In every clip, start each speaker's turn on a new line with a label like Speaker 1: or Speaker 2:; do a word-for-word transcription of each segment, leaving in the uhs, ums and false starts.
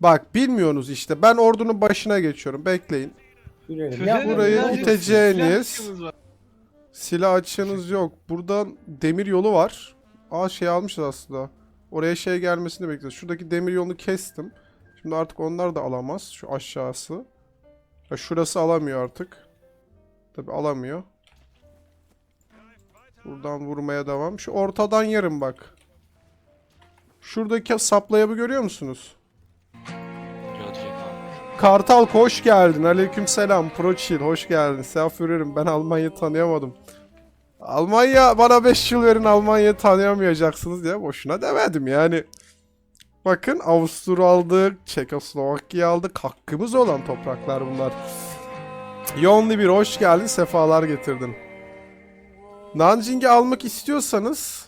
Speaker 1: Bak bilmiyorsunuz işte. Ben ordunun başına geçiyorum. Bekleyin.
Speaker 2: Sürelim.
Speaker 1: Ya burayı
Speaker 2: ne
Speaker 1: iteceğiniz silah açığınız yok. Buradan demir yolu var. Aa şey almışız aslında. Oraya şey gelmesini bekliyoruz. Şuradaki demir yolunu kestim. Şimdi artık onlar da alamaz. Şu aşağısı. Ya şurası alamıyor artık. Tabi alamıyor. Buradan vurmaya devam. Şu ortadan yarım bak. Şuradaki saplayabı görüyor musunuz? Kartal hoş geldin. Aleykümselam. Proçil hoş geldin. Selam ben Almanya'yı tanıyamadım. Almanya bana beş yıl verin Almanya'yı tanıyamayacaksınız diye boşuna demedim yani. Bakın Avusturya aldık, Çekoslovakya aldık. Hakkımız olan topraklar bunlar. Yonli bir hoş geldin. Sefalar getirdin. Nanjing'i almak istiyorsanız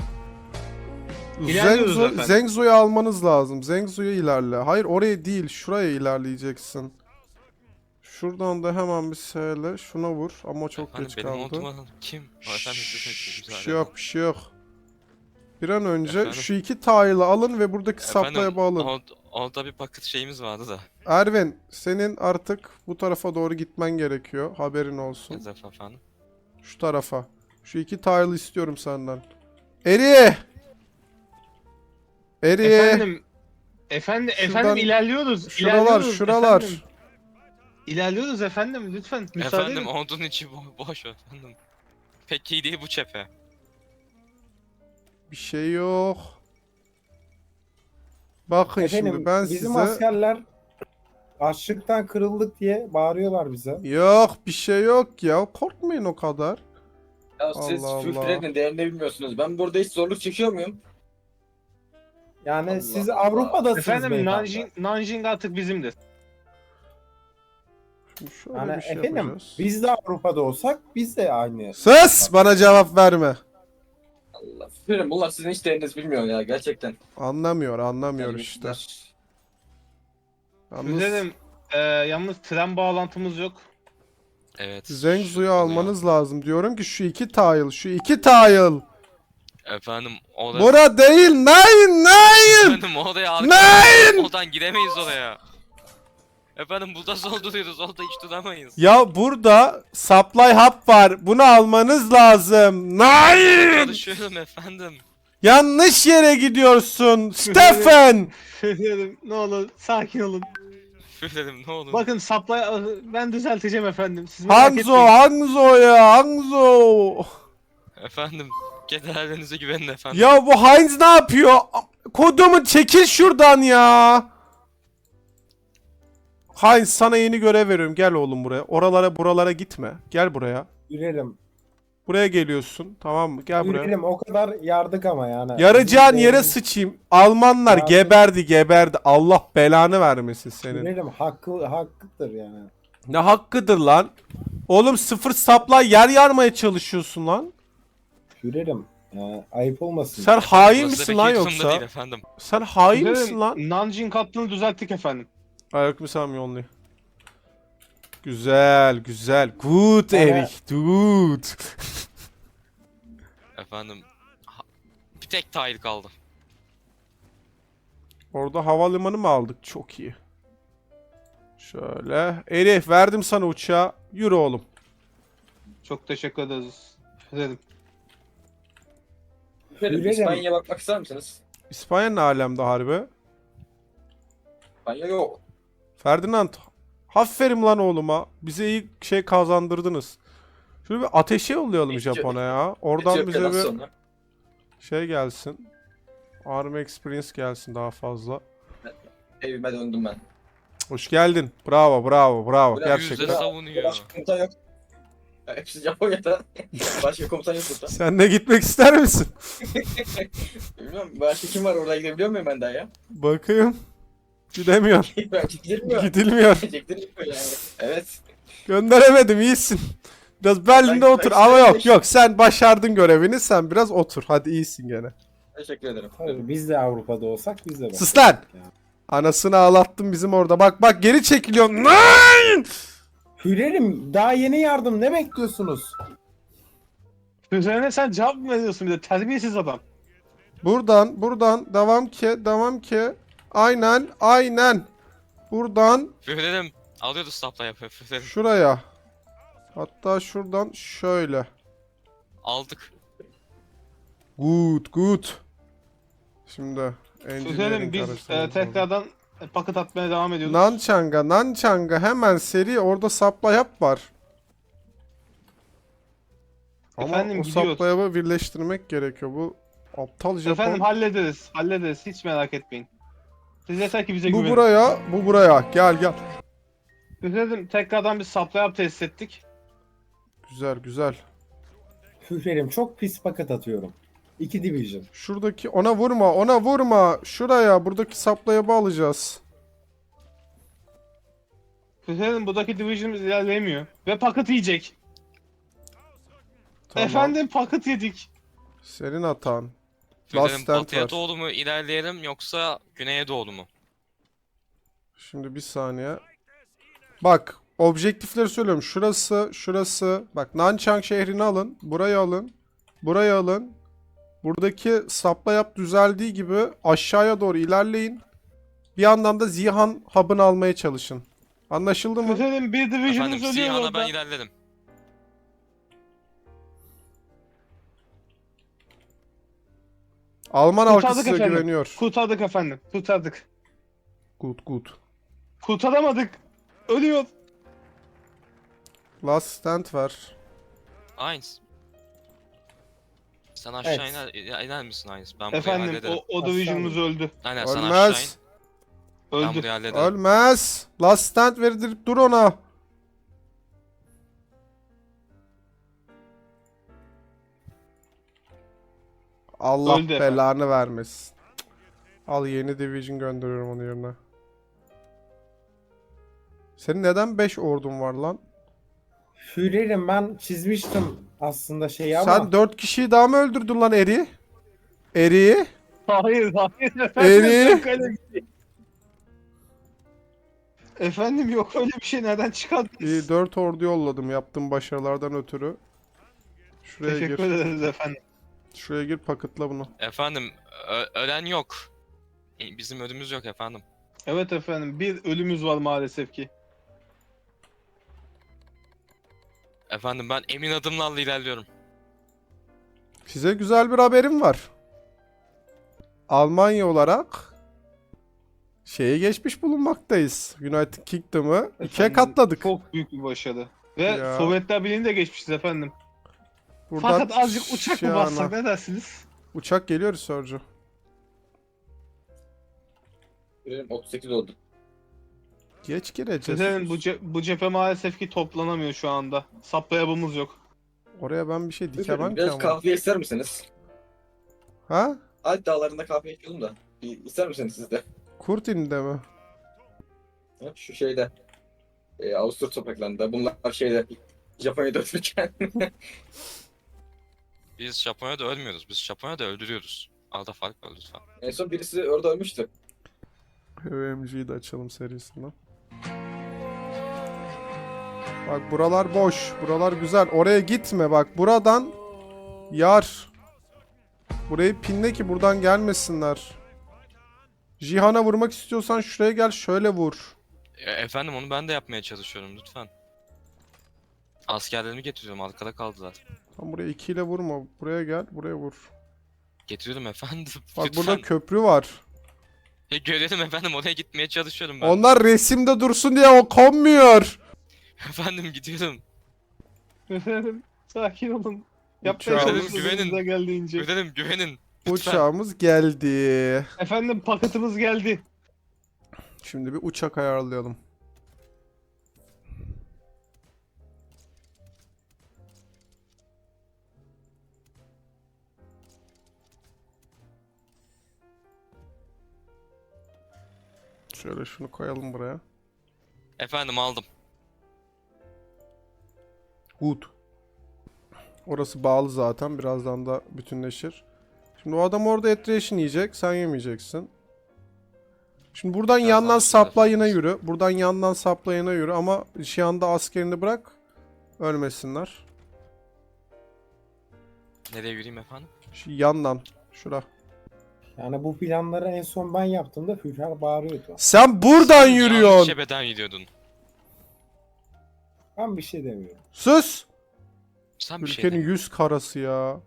Speaker 1: Zengzo, Zengzo'yu almanız lazım. Zengzo'ya ilerle. Hayır oraya değil. Şuraya ilerleyeceksin. Şuradan da hemen bir seyle şuna vur ama çok
Speaker 3: Efendim,
Speaker 1: geç
Speaker 3: benim
Speaker 1: kaldı.
Speaker 3: olduğuma kim?
Speaker 1: Şşş, bir şey yok bir şey yok. Bir an önce
Speaker 3: Efendim?
Speaker 1: şu iki tile'ı alın ve buradaki saplaya bağlayın.
Speaker 3: Orada, orada bir paket şeyimiz vardı da.
Speaker 1: Ervin senin artık bu tarafa doğru gitmen gerekiyor. Haberin olsun.
Speaker 3: Yazaf efendim.
Speaker 1: Şu tarafa. Şu iki tile'ı istiyorum senden. Eri! Eri!
Speaker 4: Efendim, efendim,
Speaker 1: Şuradan-
Speaker 4: efendim ilerliyoruz.
Speaker 1: Şuralar
Speaker 4: ilerliyoruz,
Speaker 1: şuralar.
Speaker 4: Efendim. İlerliyoruz efendim, lütfen müsaade
Speaker 3: Efendim
Speaker 4: edin.
Speaker 3: ordunun içi bo boş efendim. Pek iyi değil bu cephe.
Speaker 1: Bir şey yok. Bakın
Speaker 2: Efendim
Speaker 1: şimdi ben
Speaker 2: bizim
Speaker 1: size...
Speaker 2: askerler açlıktan kırıldık diye bağırıyorlar bize.
Speaker 1: Yok bir şey yok ya. Korkmayın o kadar.
Speaker 5: Ya siz
Speaker 1: Allah
Speaker 5: şu
Speaker 1: Allah.
Speaker 5: frenin değerini bilmiyorsunuz. Ben burada hiç zorluk çekiyor muyum?
Speaker 2: Yani
Speaker 5: Allah
Speaker 2: siz
Speaker 5: Allah.
Speaker 2: Avrupa'dasınız
Speaker 4: Efendim
Speaker 2: beyefendi.
Speaker 4: Nanjing, Nanjing artık bizimdir.
Speaker 1: Şimdi şöyle
Speaker 2: Yani
Speaker 1: bir şey
Speaker 2: efendim
Speaker 1: yapacağız.
Speaker 2: biz de Avrupa'da olsak biz de aynı.
Speaker 1: Sus! Bana cevap verme.
Speaker 5: Allah. Frenin bunlar sizin hiç değerinizi bilmiyor ya gerçekten.
Speaker 1: Anlamıyor, anlamıyor
Speaker 5: Yani
Speaker 1: işte.
Speaker 5: bizler-
Speaker 1: Yalnız
Speaker 4: Güzelim, e, yalnız tren bağlantımız yok.
Speaker 3: Evet.
Speaker 1: Zengzu'yu
Speaker 3: şu-
Speaker 1: almanız lazım. Diyorum ki şu iki tile, şu iki tile.
Speaker 3: Efendim orada...
Speaker 1: Bura değil, nine, nine!
Speaker 3: Efendim oraya
Speaker 1: Nine!
Speaker 3: arka... Oradan giremeyiz oraya. Efendim burada zor duruyoruz. Orada hiç duramayız.
Speaker 1: Ya burada supply hub var. Bunu almanız lazım. Nine!
Speaker 3: Çalışıyorum efendim.
Speaker 1: Yanlış yere gidiyorsun. Stefan!
Speaker 4: Efendim, ne olur sakin olun.
Speaker 3: Führerim ne olur.
Speaker 4: Bakın supply ben düzelteceğim efendim. Siz merak
Speaker 1: Hanzo,
Speaker 4: etmeyin.
Speaker 1: Hanzo ya, Hanzo.
Speaker 3: Efendim generallerinize güvenin efendim.
Speaker 1: Ya bu Heinz ne yapıyor? Kodumu çekil şuradan ya. Heinz sana yeni görev veriyorum. Gel oğlum buraya. Oralara buralara gitme. Gel buraya.
Speaker 2: Görelim.
Speaker 1: Buraya geliyorsun. Tamam mı? Gel buraya.
Speaker 2: Görelim o kadar yardık ama yani.
Speaker 1: Yarayacağın
Speaker 2: Bizim
Speaker 1: yere
Speaker 2: değerimiz-
Speaker 1: sıçayım. Almanlar
Speaker 2: Yardım-
Speaker 1: geberdi geberdi. Allah belanı vermesin senin.
Speaker 2: Görelim hakkı hakkıdır yani.
Speaker 1: Ne hakkıdır lan? Oğlum sıfır sapla yer yarmaya çalışıyorsun lan.
Speaker 2: Görelim. Yani ayıp olmasın.
Speaker 1: Sen hain
Speaker 3: Burası
Speaker 1: misin
Speaker 3: pek
Speaker 1: lan
Speaker 3: iyi durumda
Speaker 1: yoksa?
Speaker 3: değil efendim.
Speaker 1: Sen hain
Speaker 4: Güzelim,
Speaker 1: misin lan?
Speaker 4: Nanjing hattını düzelttik efendim.
Speaker 1: Aleykümselam yolluyor. Güzel, güzel. Good
Speaker 2: Bana-
Speaker 1: Erik, good.
Speaker 3: Efendim ha- bir tek tile kaldı.
Speaker 1: Orada havalimanı mı aldık? Çok iyi. Şöyle. Elif verdim sana uçağı. Yürü oğlum.
Speaker 4: Çok teşekkür ederiz. Efendim.
Speaker 5: Frenin
Speaker 2: Görelim.
Speaker 5: İspanya'ya bakmak ister misiniz?
Speaker 1: İspanya ne alemde harbi?
Speaker 5: İspanya yok.
Speaker 1: Ferdinand. Aferin lan oğluma. Bize iyi şey kazandırdınız. Şöyle bir ateşe yollayalım
Speaker 5: Etiyop-
Speaker 1: Japon'a ya. Oradan bize
Speaker 5: Etiyopya'dan
Speaker 1: bir
Speaker 5: sonra.
Speaker 1: şey gelsin. Army Experience gelsin daha fazla.
Speaker 5: Evime döndüm ben.
Speaker 1: Hoş geldin. Bravo, bravo, bravo.
Speaker 5: Ulan
Speaker 1: Gerçekten.
Speaker 3: Yüzde savunuyor.
Speaker 5: Başka komutan yok. Hepsi Japonya'da. Başka komutan yok burada.
Speaker 1: Sen de gitmek ister misin?
Speaker 5: Bilmiyorum başka kim var orada gidebiliyor muyum ben daha ya?
Speaker 1: Bakayım. Gidemiyor.
Speaker 5: Ben gidilmiyor.
Speaker 1: Gidilmiyor.
Speaker 5: Gidilmiyor yani. Evet.
Speaker 1: Gönderemedim iyisin. Biraz Berlin'de
Speaker 5: Ben-
Speaker 1: otur
Speaker 5: ben-
Speaker 1: ama
Speaker 5: ben-
Speaker 1: yok yok sen başardın görevini sen biraz otur. Hadi iyisin gene.
Speaker 5: Teşekkür ederim.
Speaker 2: Tabii biz de Avrupa'da olsak biz de
Speaker 1: Sus lan!
Speaker 2: Ya.
Speaker 1: Anasını ağlattın bizim orada. Bak bak geri çekiliyorsun. Nein!
Speaker 2: Hürerim daha yeni yardım ne bekliyorsunuz?
Speaker 4: Üzerine sen cevap mı veriyorsun bir de terbiyesiz adam.
Speaker 1: Buradan buradan devam ki devam ki. Aynen. Aynen. Buradan
Speaker 3: Führerim. Alıyoruz sapla yapıyor führerim.
Speaker 1: şuraya. Hatta şuradan şöyle.
Speaker 3: Aldık.
Speaker 1: Good, good. Şimdi
Speaker 4: Führerim
Speaker 1: engineering
Speaker 4: biz e,
Speaker 1: karıştırmamız lazım.
Speaker 4: tekrardan e, paket atmaya devam ediyoruz.
Speaker 1: Nanchang'a, Nanchang'a hemen seri orada supply yap var. Ama
Speaker 4: Efendim,
Speaker 1: o
Speaker 4: gidiyoruz.
Speaker 1: supply yap'ı birleştirmek gerekiyor. Bu aptal Japon.
Speaker 4: Efendim hallederiz. Hallederiz. Hiç merak etmeyin. Siz yeter ki bize
Speaker 1: Bu
Speaker 4: güvenin.
Speaker 1: buraya, bu buraya. Gel gel.
Speaker 4: Führerim tekrardan bir supply up test ettik.
Speaker 1: Güzel güzel.
Speaker 2: Führerim çok pis paket atıyorum. İki division.
Speaker 1: Şuradaki ona vurma, ona vurma. Şuraya, buradaki supply yap'ı alacağız.
Speaker 4: Führerim buradaki division'ımız ilerleyemiyor. Ve paket yiyecek.
Speaker 1: Tamam.
Speaker 4: Efendim paket yedik.
Speaker 1: Senin hatan.
Speaker 3: Führerim
Speaker 1: Last stand
Speaker 3: batıya
Speaker 1: var.
Speaker 3: doğru mu ilerleyelim yoksa güneye doğru mu?
Speaker 1: Şimdi bir saniye. Bak, objektifleri söylüyorum. Şurası, şurası. Bak, Nanchang şehrini alın. Burayı alın. Burayı alın. Buradaki supply yap düzeldiği gibi aşağıya doğru ilerleyin. Bir yandan da Zihan hub'ını almaya çalışın. Anlaşıldı mı?
Speaker 4: Führerim bir
Speaker 3: Efendim
Speaker 4: division'ımız ölüyor
Speaker 3: Zihan'a
Speaker 4: orada.
Speaker 3: ben ilerledim.
Speaker 1: Alman
Speaker 4: Kurtardık
Speaker 1: halkı size
Speaker 4: efendim.
Speaker 1: güveniyor.
Speaker 4: Kurtardık efendim. Kurtardık.
Speaker 1: Good good.
Speaker 4: Kurtaramadık. Ölüyor.
Speaker 1: Last stand var.
Speaker 3: Aynıs. Sen aşağı
Speaker 2: Evet.
Speaker 3: iner, iner, iner misin Aynıs? Ben burayı
Speaker 4: Efendim
Speaker 3: hallederim.
Speaker 4: o, o division'ımız öldü.
Speaker 3: Aynen sen aşağı in.
Speaker 1: Ölmez.
Speaker 3: Ben
Speaker 4: Öldü.
Speaker 3: burayı hallederim.
Speaker 1: Ölmez. Last stand verdirip dur ona. Allah
Speaker 4: Öldü efendim.
Speaker 1: belanı vermesin. Cık. Al yeni division gönderiyorum onun yerine. Senin neden beş ordun var lan?
Speaker 2: Führerim ben çizmiştim aslında şeyi ama.
Speaker 1: Sen dört kişiyi daha mı öldürdün lan Eri? Eri?
Speaker 4: Hayır hayır efendim.
Speaker 1: Eri?
Speaker 4: Yok öyle bir şey. Efendim yok öyle bir şey. Nereden çıkardınız?
Speaker 1: İyi dört ordu yolladım yaptığım başarılardan ötürü. Şuraya
Speaker 4: Teşekkür
Speaker 1: gir.
Speaker 4: ederiz efendim.
Speaker 1: Şuraya gir paketla bunu.
Speaker 3: Efendim ö- ölen yok. E, Bizim ölümümüz yok efendim.
Speaker 4: Evet efendim bir ölümümüz var maalesef ki.
Speaker 3: Efendim ben emin adımlarla ilerliyorum.
Speaker 1: Size güzel bir haberim var. Almanya olarak şeye geçmiş bulunmaktayız. United Kingdom'ı ikiye
Speaker 4: Efendim,
Speaker 1: katladık.
Speaker 4: Çok büyük bir başarı. Ve
Speaker 1: Ya.
Speaker 4: Sovyetler Birliği'ni de geçmişiz efendim.
Speaker 1: Buradan
Speaker 4: Fakat azıcık uçak mı
Speaker 1: Şiana.
Speaker 4: bassak ne dersiniz?
Speaker 1: Uçak geliyor Sörcü.
Speaker 5: Führerim otuz sekiz oldu.
Speaker 1: Geç gireceğiz.
Speaker 4: Efendim bu, ce- bu cephe maalesef ki toplanamıyor şu anda. Saplayabımız yok.
Speaker 1: Oraya ben bir şey
Speaker 5: Führerim
Speaker 1: dikemem ki
Speaker 5: biraz
Speaker 1: ama.
Speaker 5: kahve ister misiniz?
Speaker 1: Ha?
Speaker 5: Alp dağlarında kahve içiyordum da. Bir ister misiniz siz de?
Speaker 1: Kurtin'de mi?
Speaker 5: Ha, Şu şeyde. E, Avusturya topraklarında. Bunlar şeyde. Japonya'da ötürken.
Speaker 3: Biz Japonya'da ölmüyoruz. Biz Japonya'da öldürüyoruz. Arada fark var lütfen.
Speaker 5: En son birisi orada ölmüştü.
Speaker 1: P V M G'yi de açalım serisinden. Bak buralar boş. Buralar güzel. Oraya gitme bak. Buradan yar. Burayı pinle ki buradan gelmesinler. Jihan'a vurmak istiyorsan şuraya gel şöyle vur.
Speaker 3: E, efendim onu ben de yapmaya çalışıyorum lütfen. Askerlerimi getiriyorum arkada kaldılar.
Speaker 1: Tam buraya iki ile vurma. Buraya gel buraya vur.
Speaker 3: Getiriyorum efendim.
Speaker 1: Bak
Speaker 3: lütfen.
Speaker 1: burada köprü var.
Speaker 3: E, görelim efendim oraya gitmeye çalışıyorum ben.
Speaker 1: Onlar resimde dursun diye o konmuyor.
Speaker 3: Efendim gidiyorum.
Speaker 4: Efendim sakin olun. Yapmaya
Speaker 1: Uçağımız-
Speaker 4: çalışıyoruz
Speaker 3: Güvenin.
Speaker 4: elimizden geldiğince.
Speaker 3: Güvenin güvenin. Lütfen.
Speaker 1: Uçağımız geldi.
Speaker 4: Efendim paketimiz geldi.
Speaker 1: Şimdi bir uçak ayarlayalım. Şöyle şunu koyalım buraya.
Speaker 3: Efendim aldım.
Speaker 1: Good. Orası bağlı zaten. Birazdan da bütünleşir. Şimdi o adam orada et ration yiyecek. Sen yemeyeceksin. Şimdi buradan
Speaker 3: Biraz
Speaker 1: yandan
Speaker 3: daha
Speaker 1: supply'ına yürü. Buradan yandan supply'ına yürü ama şu anda askerini bırak. Ölmesinler.
Speaker 3: Nereye yürüyeyim efendim?
Speaker 1: Şu yandan. Şura.
Speaker 2: Yani bu planları en son ben yaptığımda Führer bağırıyordu.
Speaker 1: Sen buradan
Speaker 3: Yanlış
Speaker 1: yürüyorsun.
Speaker 3: şebeden gidiyordun.
Speaker 2: Ben bir şey demiyorum.
Speaker 1: Sus.
Speaker 3: Sen bir şey
Speaker 1: Ülkenin
Speaker 3: demiyorsun.
Speaker 1: yüz karası ya.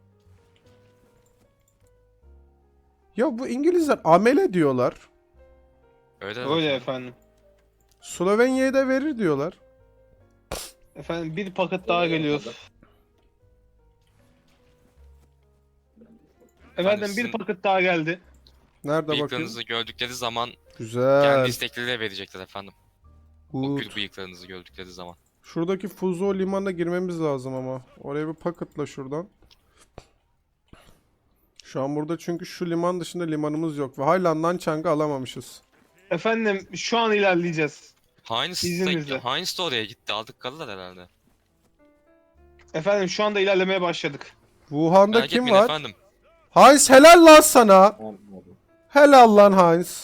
Speaker 1: Ya bu İngilizler amele diyorlar.
Speaker 3: Öyle,
Speaker 4: Öyle
Speaker 3: efendim.
Speaker 4: efendim.
Speaker 1: Slovenya'ya da verir diyorlar.
Speaker 4: Efendim bir paket daha geliyor. Efendim
Speaker 3: sizin-
Speaker 4: bir paket daha geldi.
Speaker 1: Nerede bakayım?
Speaker 3: Bıyıklarınızı gördükleri zaman
Speaker 1: Güzel.
Speaker 3: kendi istekleriyle verecekler efendim. O
Speaker 1: Good.
Speaker 3: gül bıyıklarınızı gördükleri zaman.
Speaker 1: Şuradaki Fuzo limanına girmemiz lazım ama. Oraya bir paketla şuradan. Şu an burada çünkü şu liman dışında limanımız yok. Ve hala Nanchang'ı alamamışız.
Speaker 4: Efendim şu an ilerleyeceğiz.
Speaker 3: Heinz
Speaker 4: İzninizle.
Speaker 3: de, Heinz de oraya gitti. Aldık kalırlar herhalde.
Speaker 4: Efendim şu anda ilerlemeye başladık.
Speaker 1: Wuhan'da
Speaker 3: Merak
Speaker 1: kim
Speaker 3: etmeyin
Speaker 1: var?
Speaker 3: efendim.
Speaker 1: Heinz helal lan sana.
Speaker 2: Anladım.
Speaker 1: Helal lan Heinz.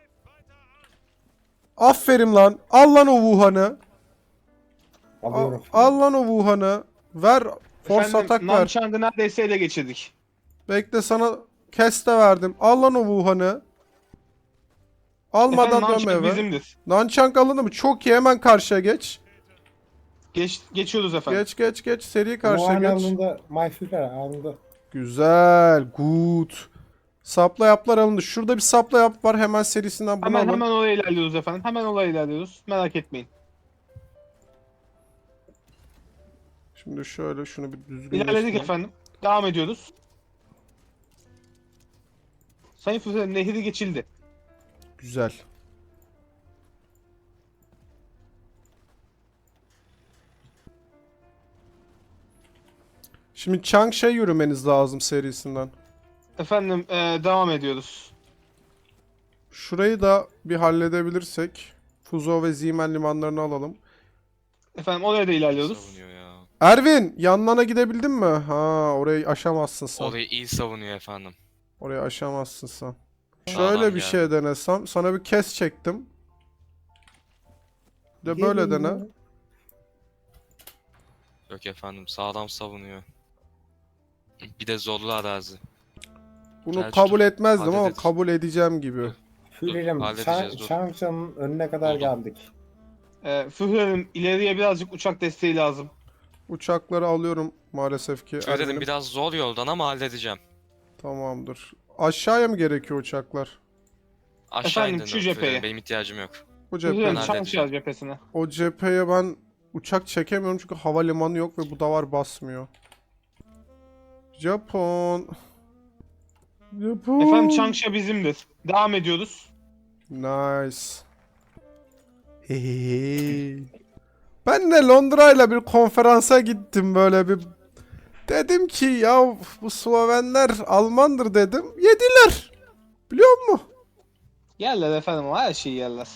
Speaker 1: Aferin lan. Al lan o Wuhan'ı. Al,
Speaker 2: Alıyorum.
Speaker 1: al lan o Wuhan'ı. Ver. Force
Speaker 4: Efendim
Speaker 1: atak ver.
Speaker 4: Nanchang'ı neredeyse ele geçirdik.
Speaker 1: Bekle sana kes de verdim. Al lan o Wuhan'ı. Almadan
Speaker 4: Efendim
Speaker 1: dönme
Speaker 4: Nanchang
Speaker 1: eve.
Speaker 4: bizimdir.
Speaker 1: Nanchang alındı mı? Çok iyi, hemen karşıya geç.
Speaker 4: Geç, geçiyoruz efendim.
Speaker 1: Geç geç geç. Seri
Speaker 2: Wuhan
Speaker 1: karşıya geç.
Speaker 2: alındı. My Führer alındı.
Speaker 1: Güzel. Good. Sapla yaplar alındı. Şurada bir sapla yap var. Hemen serisinden bunu
Speaker 4: Hemen
Speaker 1: alın.
Speaker 4: hemen oraya ilerliyoruz efendim. Hemen oraya ilerliyoruz. Merak etmeyin.
Speaker 1: Şimdi şöyle şunu bir düzgün
Speaker 4: İlerledik efendim. Devam ediyoruz. Sayın Führer nehri geçildi.
Speaker 1: Güzel. Şimdi Changsha yürümeniz lazım serisinden.
Speaker 4: Efendim eee, devam ediyoruz.
Speaker 1: Şurayı da bir halledebilirsek. Fuzo ve Zimen limanlarını alalım.
Speaker 4: Efendim oraya da ilerliyoruz.
Speaker 3: Savunuyor ya.
Speaker 1: Ervin, yanlarına gidebildin mi? Ha, orayı aşamazsın sen.
Speaker 3: Orayı iyi savunuyor efendim.
Speaker 1: Orayı aşamazsın sen.
Speaker 3: Sağlam
Speaker 1: Şöyle bir
Speaker 3: geldi.
Speaker 1: şey denesem. Sana bir kes çektim. Bir de böyle
Speaker 2: Gelin
Speaker 1: dene.
Speaker 2: ya.
Speaker 3: Yok efendim sağlam savunuyor. Bir de zorlu arazi.
Speaker 1: Bunu
Speaker 3: Selçuk,
Speaker 1: kabul etmezdim ama
Speaker 3: hallederiz.
Speaker 1: kabul edeceğim gibi.
Speaker 2: Führer'im
Speaker 3: halledeceğiz, dur.
Speaker 2: Changcha'nın önüne kadar
Speaker 3: Oldu.
Speaker 2: geldik.
Speaker 4: Eee Führer'im ileriye birazcık uçak desteği lazım.
Speaker 1: Uçakları alıyorum maalesef ki.
Speaker 3: Söyledim
Speaker 1: Ervin'im.
Speaker 3: biraz zor yoldan ama halledeceğim.
Speaker 1: Tamamdır. Aşağıya mı gerekiyor uçaklar?
Speaker 3: Aşağı
Speaker 4: Efendim,
Speaker 3: indin.
Speaker 4: şu cepheye.
Speaker 3: Benim ihtiyacım yok.
Speaker 1: O cephe.
Speaker 4: Führer'im
Speaker 3: Ben
Speaker 4: Chang'ı
Speaker 3: halledeceğim.
Speaker 4: cephesine.
Speaker 1: O cepheye ben uçak çekemiyorum çünkü havalimanı yok ve bu davar basmıyor. Japon. Japon.
Speaker 4: Efendim Changsha bizimdir. Devam ediyoruz.
Speaker 1: Nice. Hehehe. Ben de Londra'yla bir konferansa gittim böyle bir. Dedim ki ya bu Slovenler Almandır dedim. Yediler. Biliyor musun?
Speaker 4: Yerler efendim her şeyi yerler.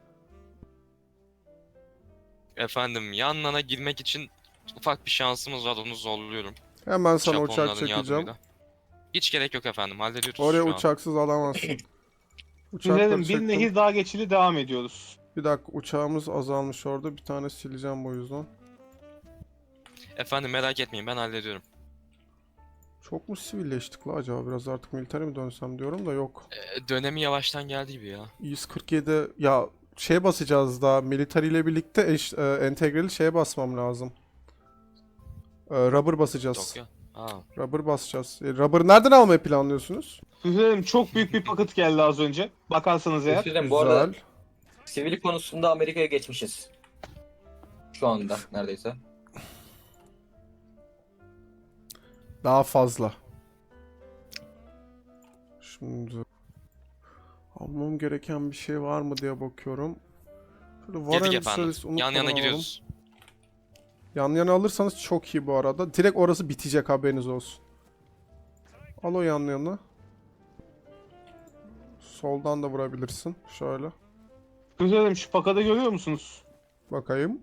Speaker 3: Efendim yanlarına girmek için ufak bir şansımız var onu zorluyorum.
Speaker 1: Hemen sana uçak
Speaker 3: Japonların
Speaker 1: çekeceğim.
Speaker 3: yardımıyla. Hiç gerek yok efendim hallediyoruz
Speaker 1: Oraya
Speaker 3: şu an.
Speaker 1: uçaksız alamazsın. Uçakları
Speaker 4: Führer'im bir
Speaker 1: çektim.
Speaker 4: nehir daha geçili devam ediyoruz.
Speaker 1: Bir dakika uçağımız azalmış orada. Bir tane sileceğim bu yüzden.
Speaker 3: Efendim merak etmeyin ben hallediyorum.
Speaker 1: Çok mu sivilleştik la acaba? Biraz artık militere mi dönsem diyorum da yok.
Speaker 3: Ee, dönemi yavaştan geldi gibi ya.
Speaker 1: yüz kırk yedi ya şey basacağız daha. Military ile birlikte eş, e, entegreli şeye basmam lazım. E, rubber basacağız.
Speaker 3: Tokyo. Ha.
Speaker 1: Rubber basacağız. E, rubber nereden almayı planlıyorsunuz?
Speaker 4: Führer'im çok büyük bir paket geldi az önce. Bakarsanız eğer.
Speaker 5: Führerim bu arada
Speaker 1: Güzel.
Speaker 5: sivil konusunda Amerika'ya geçmişiz. Şu anda neredeyse.
Speaker 1: Daha fazla. Şimdi almam gereken bir şey var mı diye bakıyorum. Şöyle
Speaker 3: Girdik
Speaker 1: Warren
Speaker 3: efendim.
Speaker 1: Service
Speaker 3: Yan yana
Speaker 1: unutmadan
Speaker 3: giriyoruz.
Speaker 1: alalım. Yan yana alırsanız çok iyi bu arada. Direkt orası bitecek haberiniz olsun. Al o yan yana. Soldan da vurabilirsin. Şöyle.
Speaker 4: Führer'im şu pakada görüyor musunuz?
Speaker 1: Bakayım.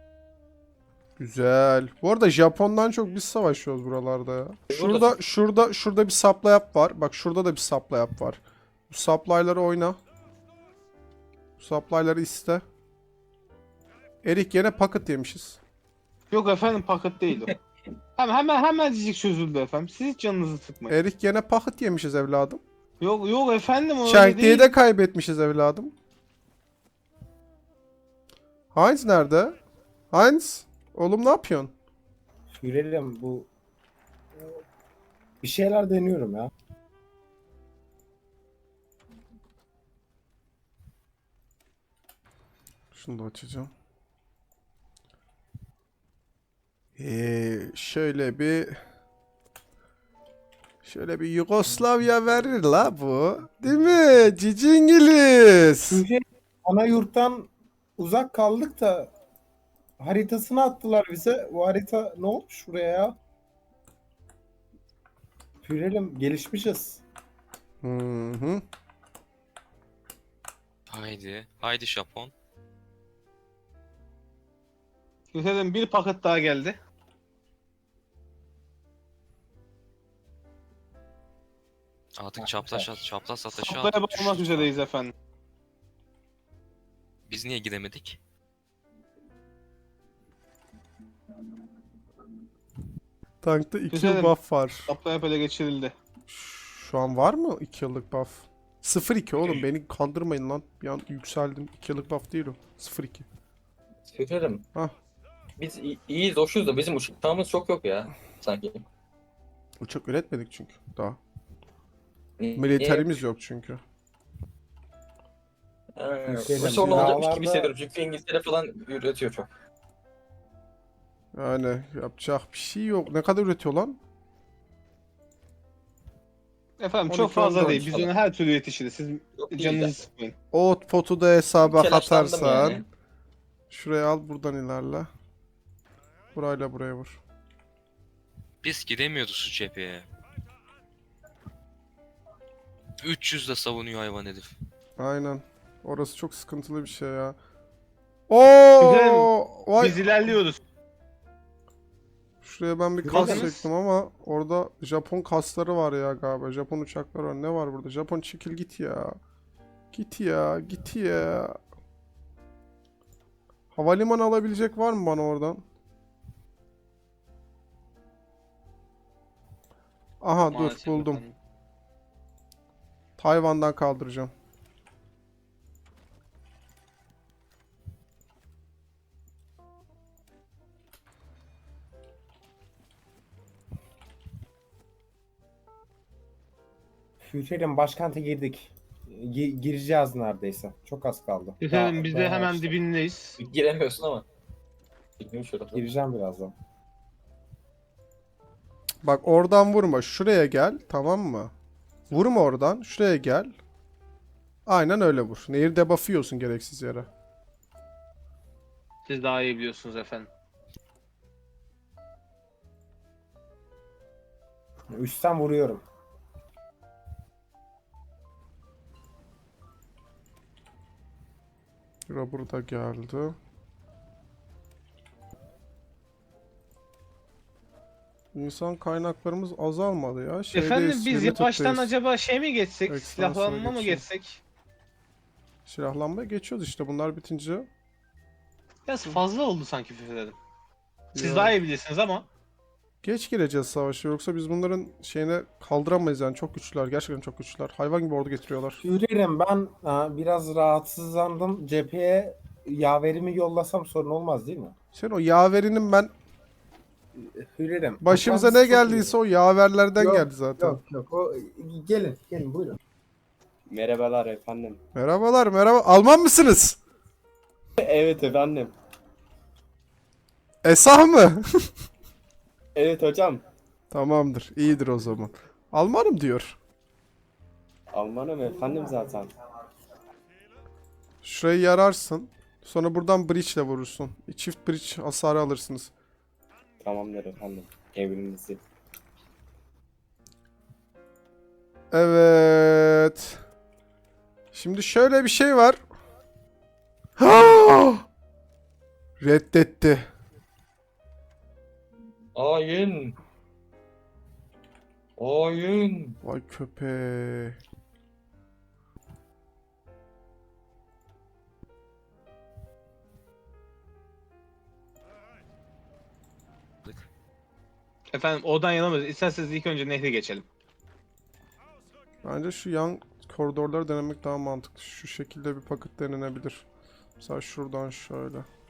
Speaker 1: Güzel. Bu arada Japon'dan çok biz savaşıyoruz buralarda ya. Şurada, şurada, şurada bir supply yap var. Bak şurada da bir supply yap var. Bu supply'ları oyna. Bu supply'ları iste. Erik yine paket yemişiz.
Speaker 4: Yok efendim paket değil o. Hemen hemen hemen çözüldü efendim. Siz hiç canınızı sıkmayın.
Speaker 1: Erik yine paket yemişiz evladım.
Speaker 4: Yok yok efendim öyle
Speaker 1: Shankly'yi
Speaker 4: değil.
Speaker 1: de kaybetmişiz evladım. Heinz nerede? Heinz? Oğlum ne yapıyorsun?
Speaker 2: Führerim bu bir şeyler deniyorum ya.
Speaker 1: Şunu da açacağım. Ee, şöyle bir şöyle bir Yugoslavya verir la bu. Değil mi? Cici İngiliz.
Speaker 2: Führerim ana yurttan uzak kaldık da haritasını attılar bize. Bu harita ne olmuş buraya ya? Führerim gelişmişiz.
Speaker 1: Hı hı.
Speaker 3: Haydi. Haydi Japon.
Speaker 4: Güzelim bir paket daha geldi.
Speaker 3: Artık çapraz çapraz satışı
Speaker 4: Saplaya
Speaker 3: aldık.
Speaker 4: bakmak
Speaker 3: düştük.
Speaker 4: üzereyiz efendim.
Speaker 3: Biz niye gidemedik?
Speaker 1: Tankta iki
Speaker 4: Güzelim.
Speaker 1: buff var.
Speaker 4: Saplaya ele geçirildi.
Speaker 1: Şu an var mı iki yıllık buff? sıfır iki oğlum beni kandırmayın lan. Bir an yükseldim. iki yıllık buff değil o. sıfır iki.
Speaker 5: Führerim.
Speaker 1: Hah.
Speaker 5: Biz iyi- iyiyiz, hoşuz da bizim uçağımız çok yok ya. Sanki.
Speaker 1: Uçak üretmedik çünkü daha.
Speaker 5: Niye-
Speaker 1: Militerimiz yok çünkü.
Speaker 5: Ee,
Speaker 2: Şeyden,
Speaker 5: bu sorun olacakmış gibi
Speaker 2: dağlarda-
Speaker 5: hissediyorum çünkü İngiltere falan üretiyor çok.
Speaker 1: Yani yapacak bir şey yok. Ne kadar üretiyor lan?
Speaker 4: Efendim
Speaker 1: on
Speaker 4: çok
Speaker 1: iki,
Speaker 4: fazla
Speaker 1: on dört
Speaker 4: değil. Biz
Speaker 5: falan.
Speaker 4: onu her türlü yetişiriz. Siz
Speaker 5: Yok değil
Speaker 4: canınızı
Speaker 5: de.
Speaker 4: sıkmayın.
Speaker 1: Output'u da hesaba
Speaker 5: Telaşlandım
Speaker 1: katarsan.
Speaker 5: yani.
Speaker 1: Şuraya al buradan ilerle. Burayla buraya vur.
Speaker 3: Biz gidemiyoruz şu cepheye. üç yüz de savunuyor hayvan herif.
Speaker 1: Aynen. Orası çok sıkıntılı bir şey ya. Oo!
Speaker 4: Güzel.
Speaker 1: Vay.
Speaker 4: Biz ilerliyoruz.
Speaker 1: Şuraya ben bir kas
Speaker 4: Bakınız.
Speaker 1: çektim ama orada Japon kasları var ya galiba. Japon uçakları var. Ne var burada? Japon çekil git ya. Git ya, git ya. Havalimanı alabilecek var mı bana oradan? Aha
Speaker 4: Maalesef
Speaker 1: dur buldum.
Speaker 4: efendim.
Speaker 1: Tayvan'dan kaldıracağım.
Speaker 2: Führerim başkente girdik. Gi- gireceğiz neredeyse. Çok az kaldı.
Speaker 4: Efendim
Speaker 2: Daha-
Speaker 4: biz de
Speaker 2: daha
Speaker 4: hemen
Speaker 2: işte.
Speaker 4: dibindeyiz.
Speaker 5: Giremiyorsun ama. Bilmiyorum şurada.
Speaker 2: Gireceğim birazdan.
Speaker 1: Bak oradan vurma. Şuraya gel. Tamam mı? Vurma oradan. Şuraya gel. Aynen öyle vur. Nehir debuff'ı yiyorsun gereksiz yere.
Speaker 4: Siz daha iyi biliyorsunuz efendim.
Speaker 2: Üstten vuruyorum.
Speaker 1: Şura burada geldi. İnsan kaynaklarımız azalmadı ya. Şeydeyiz,
Speaker 4: efendim biz
Speaker 1: limited'deyiz.
Speaker 4: yavaştan acaba şey mi geçsek?
Speaker 1: Ekstansiyona
Speaker 4: Silahlanma mı
Speaker 1: geçelim.
Speaker 4: geçsek?
Speaker 1: Silahlanmaya geçiyoruz işte bunlar bitince.
Speaker 4: Biraz fazla oldu sanki fikirlerim. Siz
Speaker 1: Ya,
Speaker 4: daha iyi bilirsiniz ama.
Speaker 1: geç gireceğiz savaşa yoksa biz bunların şeyine kaldıramayız yani çok güçlüler. Gerçekten çok güçlüler. Hayvan gibi ordu getiriyorlar.
Speaker 2: Führerim ben ha, biraz rahatsızlandım. Cepheye yaverimi yollasam sorun olmaz değil mi?
Speaker 1: Sen o yaverinin ben
Speaker 2: Führerim.
Speaker 1: başımıza
Speaker 2: toprağınız
Speaker 1: ne
Speaker 2: çok
Speaker 1: geldiyse
Speaker 2: iyi.
Speaker 1: o yaverlerden
Speaker 2: Yok,
Speaker 1: geldi zaten.
Speaker 2: Yok yok. O, gelin gelin buyurun.
Speaker 6: Merhabalar efendim.
Speaker 1: Merhabalar merhaba. Alman mısınız?
Speaker 6: Evet efendim.
Speaker 1: Esah mı?
Speaker 6: Evet hocam.
Speaker 1: Tamamdır. İyidir o zaman. Almanım diyor.
Speaker 6: Almanım efendim zaten.
Speaker 1: Şurayı yararsın. Sonra buradan bridge ile vurursun. Çift bridge hasarı alırsınız.
Speaker 6: Tamamdır efendim. Emrinizi.
Speaker 1: Evet. Şimdi şöyle bir şey var. Reddetti.
Speaker 5: Ayın. Ayın.
Speaker 1: Vay köpeği.
Speaker 4: Efendim oradan yanamıyoruz. İsterseniz ilk önce nehri geçelim.
Speaker 1: Bence şu yan koridorları denemek daha mantıklı. Şu şekilde bir paket denenebilir. Mesela şuradan şöyle.